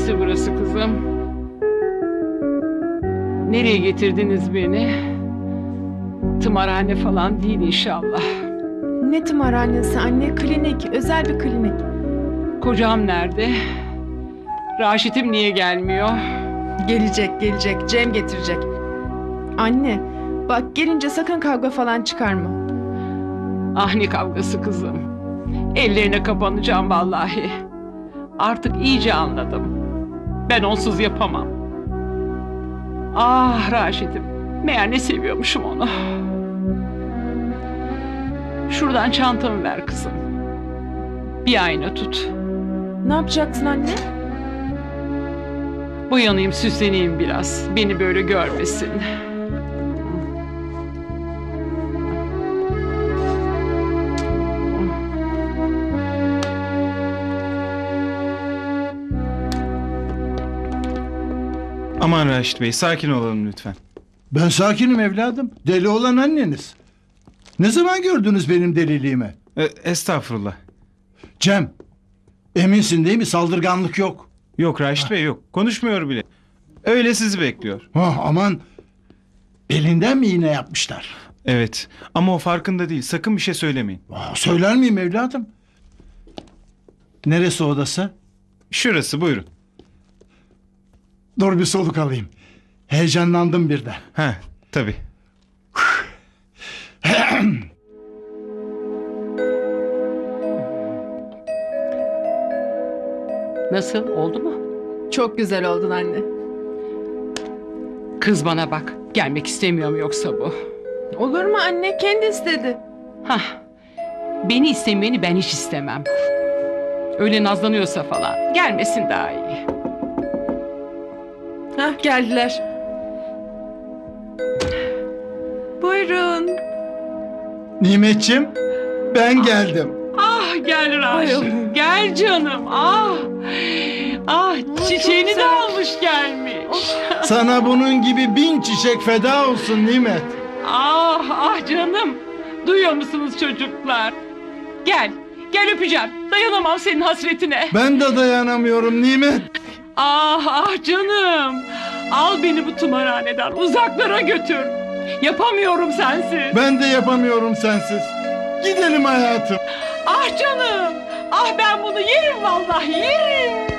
Neresi burası kızım? Nereye getirdiniz beni? Tımarhane falan değil inşallah. Ne tımarhanesi anne? Klinik, özel bir klinik. Kocam nerede? Raşit'im niye gelmiyor? Gelecek. Cem getirecek. Anne, bak gelince sakın kavga falan çıkarma. Ah ne kavgası kızım. Ellerine kapanacağım vallahi. Artık iyice anladım. Ben onsuz yapamam. Ah Raşit'im. Meğer ne seviyormuşum onu. Şuradan çantamı ver kızım. Bir ayna tut. Ne yapacaksın anne? Boyanayım, süsleneyim biraz. Beni böyle görmesin. Aman Raşit Bey, sakin olalım lütfen. Ben sakinim evladım. Deli olan anneniz. Ne zaman gördünüz benim deliliğimi? Estağfurullah. Cem, eminsin değil mi? Saldırganlık yok. Yok Raşit Bey, yok. Konuşmuyor bile. Öyle sizi bekliyor. Aman, elinden mi iğne yapmışlar? Evet, ama o farkında değil. Sakın bir şey söylemeyin. Söyler miyim evladım? Neresi odası? Şurası, buyurun. Dur bir soluk alayım. Heyecanlandım birden. Ha, tabii. Nasıl? Oldu mu? Çok güzel oldun anne. Kız bana bak. Gelmek istemiyor mu yoksa bu? Olur mu anne? Kendi istedi. Hah. Beni istemeyeni ben hiç istemem. Öyle nazlanıyorsa falan. Gelmesin daha iyi. Hah, geldiler. Buyurun. Nimetçim, ben geldim. Ah gel Raşit. Ay. Gel canım. Ah. Ah çiçeğini çok de güzel. almış gelmiş. Sana bunun gibi 1000 çiçek feda olsun Nimet. Ah ah canım. Duyuyor musunuz çocuklar? Gel. Gel öpeceğim. Dayanamam senin hasretine. Ben de dayanamıyorum Nimet. Ah ah canım. Al beni bu tımarhaneden. Uzaklara götür. Yapamıyorum sensiz. Ben de yapamıyorum sensiz. Gidelim hayatım. Ah canım. Ah ben bunu yerim vallahi yerim.